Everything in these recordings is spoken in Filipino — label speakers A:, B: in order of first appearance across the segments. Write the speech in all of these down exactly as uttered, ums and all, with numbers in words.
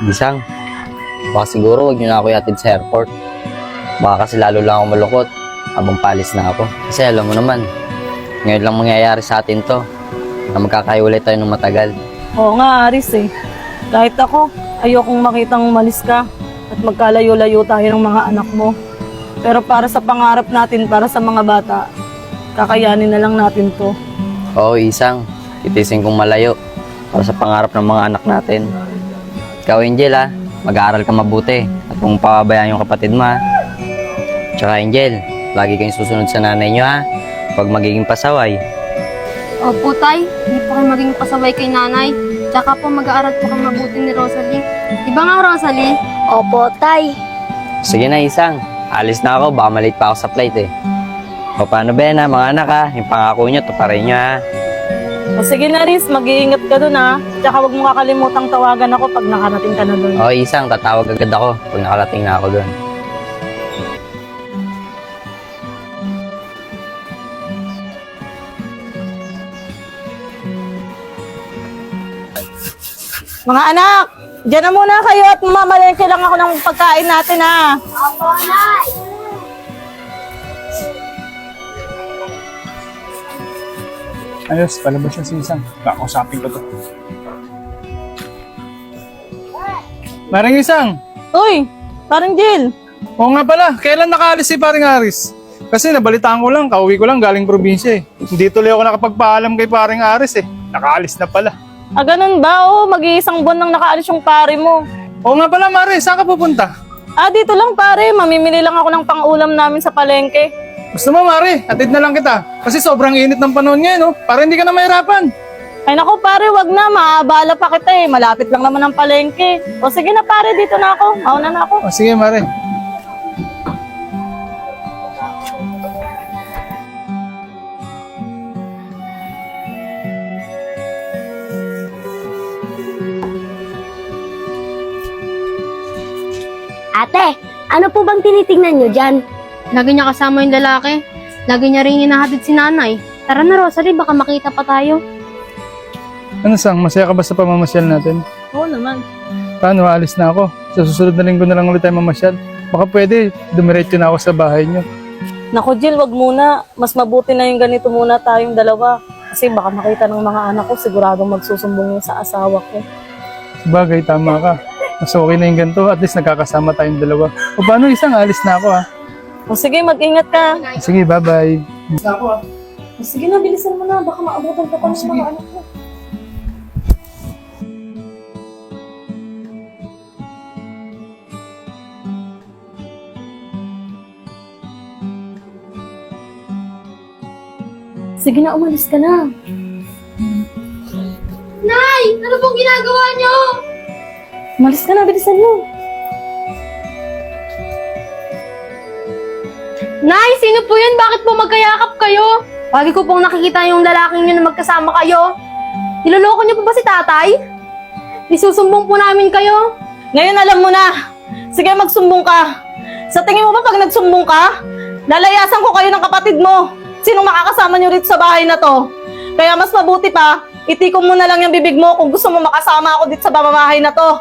A: Gisang, baka siguro wag niyo na ako ihatid sa airport. Baka kasi lalo lang ako malungkot habang palis na ako. Kasi alam mo naman, ngayon lang mangyayari sa atin to, na magkakahiwalay tayo ng matagal.
B: Oo nga, Aris eh. Kahit ako, ayokong makitang umalis ka at magkalayo-layo tayo ng mga anak mo. Pero para sa pangarap natin, para sa mga bata, kakayanin na lang natin to.
A: Oo, Isang, titisin kong malayo para sa pangarap ng mga anak natin. Ikaw, Angel, ha? Mag-aaral ka mabuti at kung pababayaan yung kapatid mo, ha? Tsaka, Angel, lagi kayong susunod sa nanay nyo, ha? Pag magiging pasaway.
C: Opo, Tay. Hindi po kayo maging pasaway kay nanay. Tsaka po mag-aaral po kang mabuti ni Rosalie. Di ba nga, Rosalie?
D: Opo, Tay.
A: Sige na, Isang. Alis na ako, baka malate pa ako sa flight, eh. O paano ba yan, ha, mga anak, ha? Yung pangako nyo, tuparin nyo, ha?
B: O sige na, Aris, mag-iingat ka dun ha. Tsaka huwag mo kakalimutang tawagan ako pag nakarating ka na dun.
A: O, Isang, tatawag agad ako pag nakarating na ako doon.
B: Mga anak, dyan na muna kayo at mamalengke lang ako ng pagkain natin ha.
D: Opo, Nay.
E: Ayos, palabas siya si Isang. Kakausapin ko to. Maring Isang!
B: Uy, parang Jill.
E: Oo nga pala, kailan nakaalis si paring Aris? Kasi nabalitaan ko lang, kauwi ko lang galing probinsya eh. Hindi tuloy ako nakapagpaalam kay paring Aris eh. Nakaalis na pala.
B: Ah, ganun ba? Oo, mag-iisang buwan nang nakaalis yung pare mo.
E: Oo nga pala Mare, saan ka pupunta?
B: Ah, dito lang pare. Mamimili lang ako ng pang-ulam namin sa palengke.
E: Gusto mo Mare, atid na lang kita. Kasi sobrang init ng panahon ngayon no? Para hindi ka na mahirapan.
B: Ay naku pare, wag na. Maabala pa kita eh. Malapit lang naman ang palengke. O sige na pare, dito na ako. Mauna na ako.
E: O sige Mare.
D: Ate, ano po bang tinitingnan nyo dyan?
C: Lagi niya kasama yung lalaki. Lagi niya rin hinahatid si nanay. Tara na, Rosalie, baka makita pa tayo.
E: Ano Sang, masaya ka ba sa pamamasyal natin?
B: Oo naman.
E: Paano, alis na ako. Sa susunod na linggo na lang ulit tayo mamasyal. Baka pwede, dumiretso na ako sa bahay niyo.
B: Naku Jill, wag muna. Mas mabuti na yung ganito muna tayong dalawa. Kasi baka makita ng mga anak ko, siguradong magsusumbong yun sa asawa ko.
E: Sabagay, tama ka. Mas okay na yung ganito, at least nagkakasama tayong dalawa. O paano Isang, alis na ako ha.
B: O sige, mag-ingat ka.
E: Sige, bye-bye. Alis na ako ha.
B: O sige na, bilisan mo na. Baka maabutan ka pa ng mga anak mo. Sige na, umalis ka na.
C: Nay! Ano pong ginagawa niyo?
B: Umalis ka na, bilisan mo.
C: Nay, sino po yun? Bakit po magkayakap kayo? Lagi ko pong nakikita yung lalaking yun na magkasama kayo. Niloloko niyo po ba si tatay? Isusumbong po namin kayo.
B: Ngayon alam mo na. Sige, magsumbong ka. Sa tingin mo ba pag nagsumbong ka, lalayasan ko kayo ng kapatid mo. Sinong makakasama niyo rito sa bahay na to? Kaya mas mabuti pa, itikom mo na lang yung bibig mo kung gusto mo makasama ako dito sa pamamahay na to.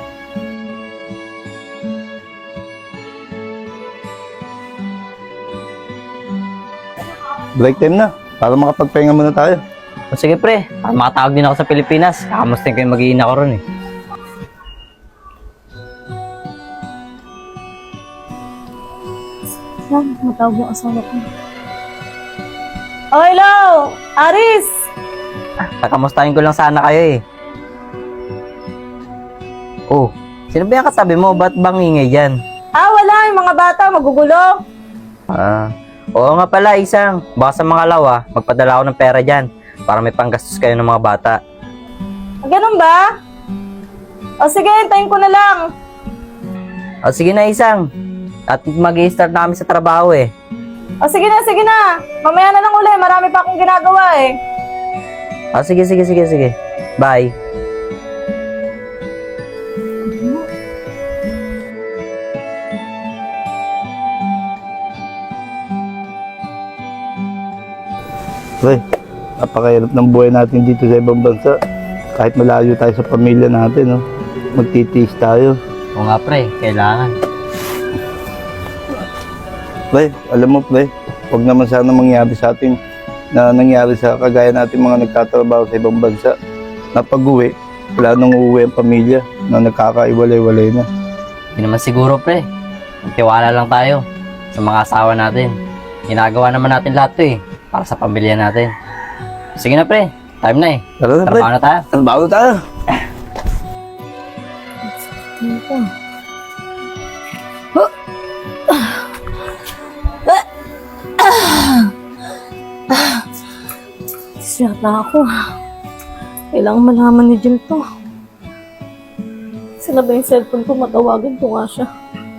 F: Break time na, para makapagpahinga muna tayo.
A: O sige pre, para makatawag din ako sa Pilipinas. Kakamusta ko yung mag-iina ko ron eh.
B: Lang, matawag yung asawa ko. Oh, hello! Aris!
A: Kakamustahin ko lang sana kayo eh. Oh, sino ba yung katabi mo? Ba't bang ingay dyan?
B: Ah, wala. Yung mga bata, magugulo.
A: Ah, oo nga pala, Isang. Baka sa mga lawa, magpadala ako ng pera dyan para may panggastos kayo ng mga bata.
B: Ah, ganun ba? O sige, hintayin ko na lang.
A: O sige na, Isang. At mag-i-start na kami sa trabaho eh.
B: O sige na, sige na. Mamaya na lang uli. Marami pa akong ginagawa eh.
A: O sige, sige, sige, sige. Bye.
F: Pre, napakahirap ng buhay natin dito sa ibang bansa. Kahit malayo tayo sa pamilya natin, no? magtitiis tayo.
A: Oo nga pre, kailangan.
F: Pre, alam mo pre, huwag naman sana mangyari sa atin na nangyari sa kagaya natin mga nagtatrabaho sa ibang bansa. Na pag-uwi, wala nang uuwi ang pamilya na nagkakaiwalay-walay na.
A: Hindi naman siguro pre. Magtiwala lang tayo sa mga asawa natin. Ginagawa naman natin lahat to eh, para sa pamilya natin. Sige na pre, time na eh.
F: Tara na pre,
A: Trabaho na tayo.
F: trabaho tayo.
B: Siya na ako. Kailangan malaman ni Jill to. Sila ba yung cellphone ko? Matawagan ko nga siya.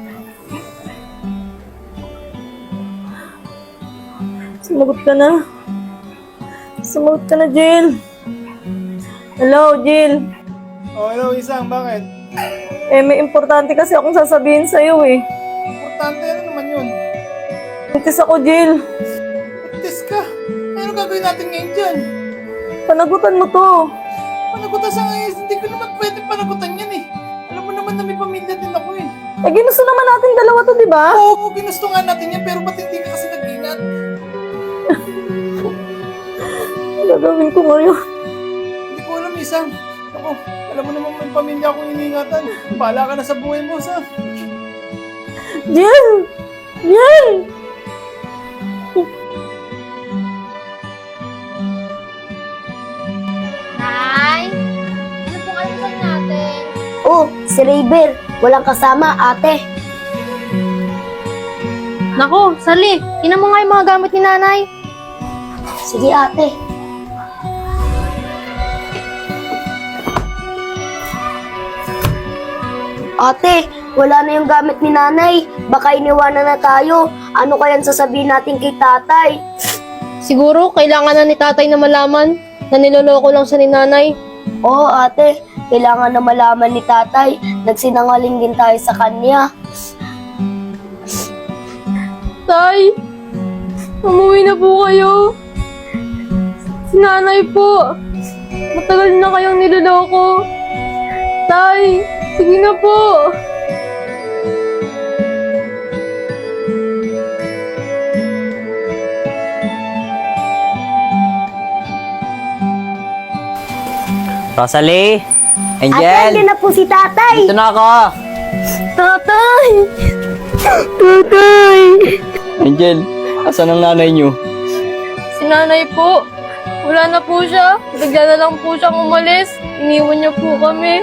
B: Sumagot ka na. Sumagot ka na, Jill. Hello, Jill.
E: Oh, hello, Isang, bakit?
B: Eh, may importante kasi akong sasabihin sa'yo eh.
E: Importante, ano naman yun?
B: Buntis ako, Jill.
E: Tis ka. Ano gagawin natin ngayon dyan?
B: Panagutan mo to.
E: Panagutan sa ngayon, hindi ko naman pwede panagutan yan eh. Alam mo naman na may pamilya din ako eh.
B: Eh, ginusto naman natin dalawa to, di ba?
E: Oo, ginusto nga natin yan, pero ba't hindi ka kasi nag-ingat?
B: Gagawin ko ngayon.
E: Hindi ko alam, Isang. Ako, alam mo naman may pamilya akong iniingatan. Bahala ka na sa buhay mo, sa.
B: Jill! Jill!
C: Nay, ano pong almusal natin?
D: Oh, si Rayber. Walang kasama, ate.
C: Nako, Sally, tinan mo nga yung mga gamit ni nanay.
D: Sige, ate. Ate, wala na yung gamit ni nanay. Baka iniwanan na tayo. Ano kayang sasabihin natin kay tatay?
C: Siguro, kailangan na ni tatay na malaman na niloloko lang siya ni nanay.
D: Oo, ate. Kailangan na malaman ni tatay. Nagsinangaling din tayo sa kanya.
C: Tay, umuwi na po kayo. Si nanay po. Matagal na kayong niloloko. Tay, sige na po.
A: Rosalie!
D: Ate,
A: Angel!
D: andyan na po si tatay.
A: Dito na ako!
D: Tatay! Tatay!
A: Angel, asan ang nanay niyo?
C: Si nanay po. Wala na po siya. Bigla na lang po siyang umalis. Iniwan niya po kami.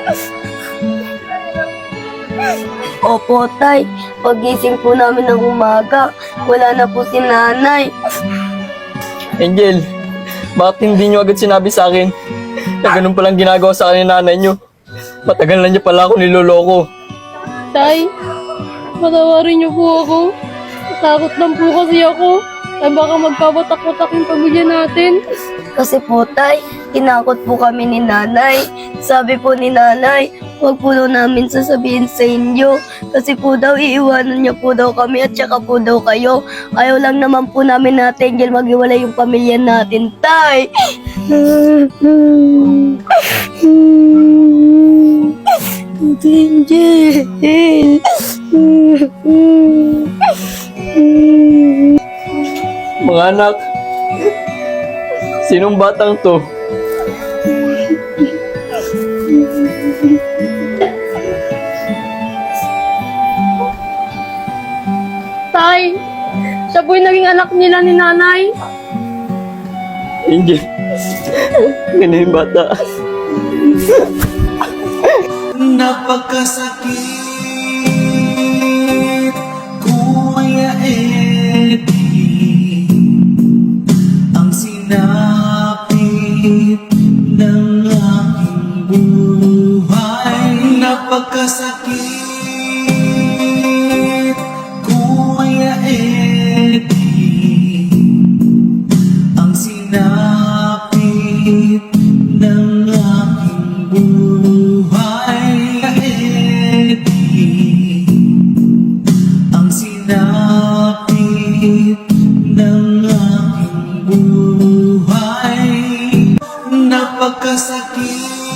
D: Opo, tay. Pagising po namin ng umaga, wala na po si nanay.
G: Angel, bakit hindi nyo agad sinabi sa akin na ganun palang ginagawa sa akin ng nanay nyo? Matagal na niya pala ako niloloko.
C: Tay, patawarin niyo po ako. Takot lang po kasi ako. Ay baka magkawatak-watak yung pamilya natin.
D: Kasi po, tay, tinakot po kami ni nanay. Sabi po ni nanay, huwag po daw namin sasabihin sa inyo. Kasi po daw, iiwanan niya po daw kami at saka po daw kayo. Ayaw lang naman po namin na Angel maghiwalay yung pamilya natin, tay. Angel.
G: Mga anak, sinong batang to?
C: Tay, siya po yung naging anak nila ni nanay.
G: Angel, ganun yung bata.
H: Napakasakit, Kuya Eddie, ang sinapit ng aking buhay. Napakasakit, Kuya Eddie, ang sinapit ng aking buhay. Eddie, ang sinapit ng aking buhay. Napakasakit,